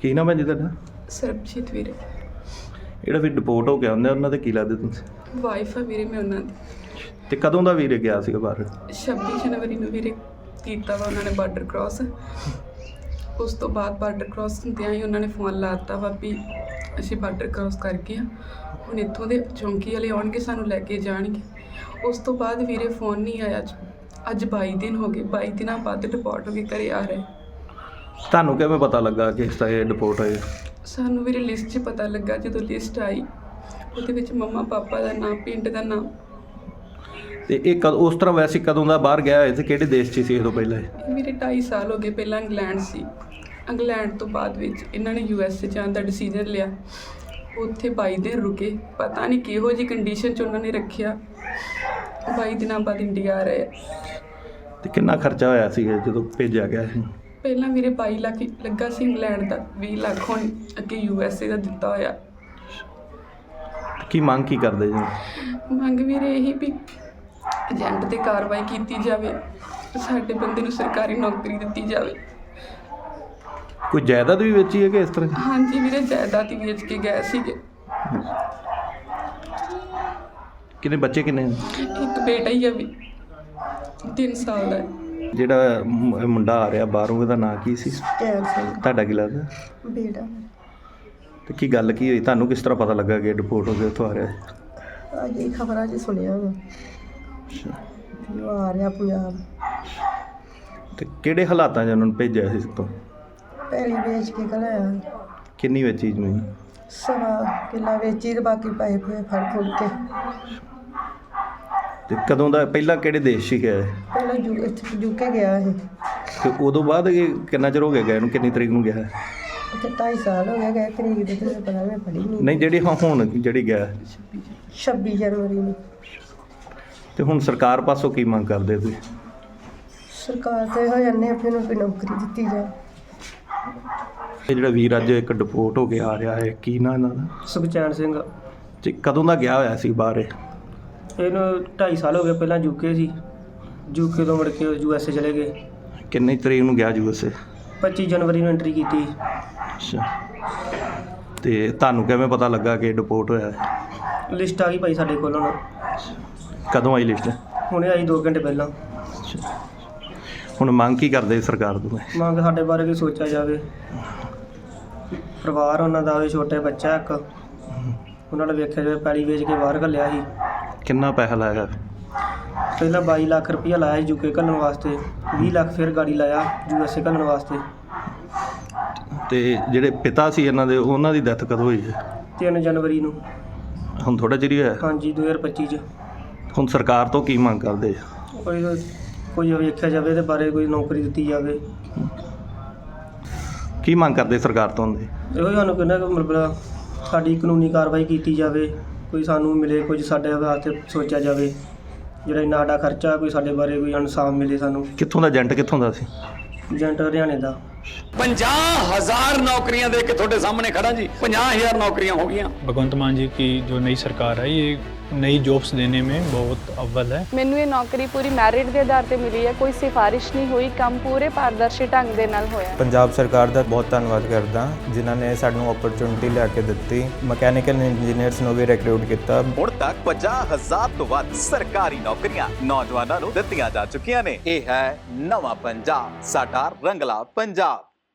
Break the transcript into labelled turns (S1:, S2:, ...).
S1: ਕੀ ਨਾਮ ਹੈ ਜੀ ਤੁਹਾਡਾ?
S2: ਸਰਬਜੀਤ ਵੀਰੇ।
S1: ਜਿਹੜਾ ਵੀ ਡਿਪੋਰਟ ਹੋ ਕੇ ਆਉਂਦੇ ਉਹਨਾਂ ਦੇ ਕੀ ਲੱਗਦੇ ਤੁਸੀਂ?
S2: ਵਾਈਫ ਆ ਵੀਰੇ ਮੈਂ ਉਹਨਾਂ ਦੀ।
S1: ਤੇ ਕਦੋਂ ਦਾ ਵੀਰੇ ਗਿਆ ਸੀਗਾ ਬਾਹਰ?
S2: 26 ਜਨਵਰੀ ਨੂੰ ਵੀਰੇ ਕੀਤਾ ਵਾ ਉਹਨਾਂ ਨੇ ਬਾਰਡਰ ਕ੍ਰਾਸ। ਉਸ ਤੋਂ ਬਾਅਦ ਬਾਰਡਰ ਕ੍ਰਾਸ ਹੁੰਦਿਆਂ ਹੀ ਉਹਨਾਂ ਨੇ ਫੋਨ ਲਾ ਦਿੱਤਾ ਵਾ ਵੀ ਅਸੀਂ ਬਾਰਡਰ ਕ੍ਰਾਸ ਕਰ ਗਏ ਹਾਂ, ਹੁਣ ਇੱਥੋਂ ਦੇ ਚੌਂਕੀ ਵਾਲੇ ਆਉਣਗੇ ਸਾਨੂੰ ਲੈ ਕੇ ਜਾਣਗੇ। ਉਸ ਤੋਂ ਬਾਅਦ ਵੀਰੇ ਫੋਨ ਨਹੀਂ ਆਇਆ। ਅੱਜ 22 ਦਿਨ ਹੋ ਗਏ, 22 ਦਿਨਾਂ ਬਾਅਦ ਡਿਪੋਰਟ ਹੋ ਕੇ ਘਰੇ ਆ ਰਹੇ।
S1: ਤੁਹਾਨੂੰ ਕਿਵੇਂ ਪਤਾ ਲੱਗਾ ਕਿ ਇਸ ਤਰ੍ਹਾਂ ਇਹ ਡਿਪੋਰਟ ਹੋਏ?
S2: ਸਾਨੂੰ ਵੀਰੇ ਲਿਸਟ 'ਚ ਪਤਾ ਲੱਗਾ, ਜਦੋਂ ਲਿਸਟ ਆਈ ਉਹਦੇ ਵਿੱਚ ਮੰਮਾ ਪਾਪਾ ਦਾ ਨਾਮ, ਪਿੰਡ ਦਾ ਨਾਮ।
S1: ਤੇ ਇਹ ਉਸ ਤਰ੍ਹਾਂ ਵੈਸੇ ਕਦੋਂ ਦਾ ਬਾਹਰ ਗਿਆ ਹੋਇਆ ਤੇ ਕਿਹੜੇ ਦੇਸ਼ 'ਚ ਸੀ ਇਹ ਤੋਂ ਪਹਿਲਾਂ?
S2: ਮੇਰੇ 2.5 ਸਾਲ ਹੋ ਗਏ। ਪਹਿਲਾਂ ਇੰਗਲੈਂਡ ਸੀ, ਇੰਗਲੈਂਡ ਤੋਂ ਬਾਅਦ ਵਿੱਚ ਇਹਨਾਂ ਨੇ USA ਜਾਣ ਦਾ ਡਿਸੀਜਨ ਲਿਆ। ਉੱਥੇ 22 ਦਿਨ ਰੁਕੇ, ਪਤਾ ਨਹੀਂ ਕਿਹੋ ਜਿਹੀ ਕੰਡੀਸ਼ਨ 'ਚ ਉਹਨਾਂ ਨੇ ਰੱਖਿਆ। 22 ਦਿਨਾਂ ਬਾਅਦ ਇੰਡੀਆ ਆ ਰਹੇ।
S1: ਤੇ ਕਿੰਨਾ ਖਰਚਾ ਹੋਇਆ ਸੀ ਜਦੋਂ ਭੇਜਿਆ ਗਿਆ ਸੀ?
S2: ਪਹਿਲਾਂ ਵੀਰੇ 22 ਲੱਖ ਲੱਗਾ ਸੀ ਇੰਗਲੈਂਡ ਦਾ, 20 ਲੱਖ ਹੁਣ ਅੱਗੇ USA ਦਾ ਦਿੱਤਾ ਹੋਇਆ।
S1: ਕੀ ਮੰਗ ਕੀ ਕਰਦੇ ਜੀ?
S2: ਮੰਗ ਵੀਰੇ ਇਹੀ ਵੀ ਏਜੰਟ 'ਤੇ ਕਾਰਵਾਈ ਕੀਤੀ ਜਾਵੇ, ਸਾਡੇ ਬੰਦੇ ਨੂੰ ਸਰਕਾਰੀ ਨੌਕਰੀ ਦਿੱਤੀ ਜਾਵੇ।
S1: ਕੋਈ ਜਾਇਦਾਦ ਵੀ ਵੇਚੀ ਹੈ ਕਿ ਇਸ ਤਰ੍ਹਾਂ?
S2: ਹਾਂਜੀ ਵੀਰੇ, ਜਾਇਦਾਦ ਹੀ ਵੇਚ ਕੇ ਗਏ ਸੀਗੇ।
S1: ਕਿੰਨੇ ਬੱਚੇ ਕਿੰਨੇ?
S2: ਇੱਕ ਬੇਟਾ ਹੀ ਆ ਵੀ 3 ਸਾਲ ਦਾ।
S1: ਜਿਹੜਾ ਮੁੰਡਾ ਆ ਰਿਹਾ ਬਾਹਰੋਂ, ਉਹਦਾ ਨਾਂ ਕੀ ਸੀ?
S3: ਟੈਲ ਸਿੰਘ
S1: ਤੁਹਾਡਾ ਕੀ ਲੱਗਦਾ?
S3: ਬੇਟਾ।
S1: ਤੇ ਕੀ ਗੱਲ ਕੀ ਹੋਈ? ਤੁਹਾਨੂੰ ਕਿਸ ਤਰ੍ਹਾਂ ਪਤਾ ਲੱਗਾ ਕਿ ਡਿਪੋਰਟ ਹੋ ਕੇ ਉੱਥੋਂ ਆ ਰਿਹਾ?
S3: ਅੱਜ ਇਹ ਖਬਰਾਂ 'ਚ ਸੁਣਿਆ ਵਾ ਵੀ ਉਹ ਆ ਰਿਹਾ ਪੰਜਾਬ।
S1: ਤੇ ਕਿਹੜੇ ਹਾਲਾਤਾਂ 'ਚ ਉਹਨਾਂ ਨੂੰ ਭੇਜਿਆ ਸੀ? ਤੋਂ
S3: ਪਹਿਲੀ ਵੇਚ ਕੇ ਘਲਾਇਆ।
S1: ਕਿੰਨੀ ਵੇਚੀ ਜ਼ਮੀਨ?
S3: 1.25 ਕਿੱਲਾ ਵੇਚੀ ਤੇ ਬਾਕੀ ਪੈਸੇ ਪੂਏ ਫੜ ਫੁੜ ਕੇ।
S1: ਤੇ ਕਦੋਂ ਦਾ? ਪਹਿਲਾਂ ਕਿਹੜੇ ਦੇਸ਼ 'ਚ ਗਿਆ?
S3: ਪਹਿਲਾਂ ਇੱਥੇ ਯੂਕੇ ਗਿਆ ਇਹ।
S1: ਤੇ ਉਦੋਂ ਬਾਅਦ ਇਹ ਕਿੰਨਾ ਚਿਰ ਹੋ ਗਿਆ ਗਏ ਨੂੰ? ਕਿੰਨੀ ਤਰੀਕ ਨੂੰ ਗਿਆ?
S3: ਉੱਥੇ 2.5 ਸਾਲ ਹੋ ਗਏ ਤਰੀਕ ਦੇ, ਤੈਨੂੰ ਪਤਾ ਮੈਂ ਪੜ੍ਹੀ
S1: ਨਹੀਂ, ਜਿਹੜੀ ਹੁਣ ਜਿਹੜੀ ਗਿਆ
S3: 26 ਜਨਵਰੀ ਨੂੰ।
S1: ਤੇ ਹੁਣ ਸਰਕਾਰ ਪਾਸੋਂ ਕੀ ਮੰਗ ਕਰਦੇ ਤੁਸੀਂ?
S3: ਸਰਕਾਰ ਤੇ ਹੋ ਜਾਂਦੇ ਆਪਣੇ ਨੂੰ ਕੋਈ ਨੌਕਰੀ ਦਿੱਤੀ ਜਾਏ।
S1: ਇਹ ਜਿਹੜਾ ਵੀਰ ਅੱਜ ਇੱਕ ਡਿਪੋਰਟ ਹੋ ਕੇ ਆ ਰਿਹਾ ਹੈ, ਕੀ ਨਾਂ ਇਹਨਾਂ ਦਾ?
S4: ਸੁਖਚੈਨ ਸਿੰਘ।
S1: ਤੇ ਕਦੋਂ ਦਾ ਗਿਆ ਹੋਇਆ ਸੀ ਬਾਹਰ ਇਹ?
S4: ਇਹਨੂੰ 2.5 ਸਾਲ ਹੋ ਗਏ। ਪਹਿਲਾਂ ਯੂਕੇ ਸੀ, ਯੂਕੇ ਤੋਂ ਮੁੜ ਕੇ USA ਚਲੇ ਗਏ।
S1: ਕਿੰਨੀ ਤਰੀਕ ਨੂੰ ਗਿਆ USA?
S4: 25 ਜਨਵਰੀ ਨੂੰ ਐਂਟਰੀ ਕੀਤੀ।
S1: ਅੱਛਾ। ਤੇ ਤੁਹਾਨੂੰ ਕਿਵੇਂ ਪਤਾ ਲੱਗਾ ਕਿ ਡਿਪੋਰਟ ਹੋਇਆ ਹੈ?
S4: ਲਿਸਟ ਆ ਗਈ ਭਾਈ ਸਾਡੇ ਕੋਲ। ਹੁਣ
S1: ਕਦੋਂ ਆਈ ਲਿਸਟ?
S4: ਹੁਣੇ ਆਈ 2 ਘੰਟੇ ਪਹਿਲਾਂ।
S1: ਅੱਛਾ। ਹੁਣ ਮੰਗ ਕੀ ਕਰਦੇ ਸਰਕਾਰ ਤੋਂ?
S4: ਮੰਗ ਸਾਡੇ ਬਾਰੇ ਕੋਈ ਸੋਚਿਆ ਜਾਵੇ। ਪਰਿਵਾਰ ਉਹਨਾਂ ਦਾ, ਛੋਟੇ ਬੱਚਾ ਇੱਕ, ਉਹਨਾਂ ਦਾ ਵੇਖਿਆ ਜਾਵੇ। ਪੈਲੀ ਵੇਚ ਕੇ ਬਾਹਰ ਘੱਲਿਆ ਸੀ।
S1: ਕਿੰਨਾ ਪੈਸਾ ਲਾਇਆ?
S4: ਪਹਿਲਾਂ 22 ਲੱਖ ਰੁਪਈਆ ਲਾਇਆ ਸੀ ਯੂਕੇ ਘੱਲਣ ਵਾਸਤੇ, 20 ਲੱਖ ਫਿਰ ਗਾੜੀ ਲਾਇਆ USA ਘੱਲਣ ਵਾਸਤੇ।
S1: ਤੇ ਜਿਹੜੇ ਪਿਤਾ ਸੀ ਇਹਨਾਂ ਦੇ, ਉਹਨਾਂ ਦੀ ਡੈਥ ਕਦੋਂ ਹੋਈ ਹੈ?
S4: 3 ਜਨਵਰੀ ਨੂੰ।
S1: ਹੁਣ ਥੋੜ੍ਹਾ ਚਿਰ ਹੀ ਹੋਇਆ?
S4: ਹਾਂਜੀ, 2025 'ਚ।
S1: ਹੁਣ ਸਰਕਾਰ ਤੋਂ ਕੀ ਮੰਗ ਕਰਦੇ?
S4: ਕੋਈ ਵੇਖਿਆ ਜਾਵੇ ਇਹਦੇ ਬਾਰੇ, ਕੋਈ ਨੌਕਰੀ ਦਿੱਤੀ ਜਾਵੇ।
S1: ਕੀ ਮੰਗ ਕਰਦੇ ਸਰਕਾਰ ਤੋਂ ਹੁੰਦੇ?
S4: ਇਹੋ ਹੀ ਸਾਨੂੰ ਕਹਿੰਦਾ ਕਿ ਮਤਲਬ ਸਾਡੀ ਕਾਨੂੰਨੀ ਕਾਰਵਾਈ ਕੀਤੀ ਜਾਵੇ, ਕੋਈ ਸਾਨੂੰ ਮਿਲੇ, ਕੁਝ ਸਾਡੇ ਵਾਸਤੇ ਸੋਚਿਆ ਜਾਵੇ। ਜਿਹੜਾ ਇੰਨਾ ਸਾਡਾ ਖਰਚਾ, ਕੋਈ ਸਾਡੇ ਬਾਰੇ ਕੋਈ ਇਨਸਾਫ ਮਿਲੇ ਸਾਨੂੰ।
S1: ਕਿੱਥੋਂ ਦਾ ਏਜੰਟ? ਕਿੱਥੋਂ ਦਾ ਸੀ?
S4: ਏਜੰਟ ਹਰਿਆਣੇ ਦਾ।
S5: 50,000 नौकरियां दे के थोड़े सामने खड़ा जी। 50,000 नौकरियां हो गई।
S6: भगवंत मान जी की जो नई सरकार है, ये नई जॉब्स देने में बहुत अव्वल है।
S7: ਮੈਨੂੰ ਇਹ ਨੌਕਰੀ ਪੂਰੀ ਮੈਰਿਟ ਦੇ ਆਧਾਰ ਤੇ ਮਿਲੀ ਹੈ, ਕੋਈ ਸਿਫਾਰਿਸ਼ ਨਹੀਂ ਹੋਈ। ਕੰਮ ਪੂਰੇ ਪਾਰਦਰਸ਼ੀ ਢੰਗ ਦੇ ਨਾਲ ਹੋਇਆ।
S8: ਪੰਜਾਬ ਸਰਕਾਰ ਦਾ ਬਹੁਤ ਧੰਨਵਾਦ ਕਰਦਾ ਜਿਨ੍ਹਾਂ ਨੇ ਸਾਨੂੰ ਓਪਰਚੁਨਿਟੀ ਲਿਆ ਕੇ ਦਿੱਤੀ। ਮਕੈਨੀਕਲ ਇੰਜੀਨੀਅਰਸ ਨੂੰ ਵੀ ਰਿਕਰੂਟ ਕੀਤਾ।
S9: ਹੁਣ ਤੱਕ 50,000 ਤੋਂ ਵੱਧ ਸਰਕਾਰੀ ਨੌਕਰੀਆਂ ਨੌਜਵਾਨਾਂ ਨੂੰ ਦਿੱਤੀਆਂ ਜਾ ਚੁੱਕੀਆਂ ਨੇ। ਇਹ ਹੈ ਨਵਾਂ ਪੰਜਾਬ, ਸਾਡਾ ਰੰਗਲਾ ਪੰਜਾਬ।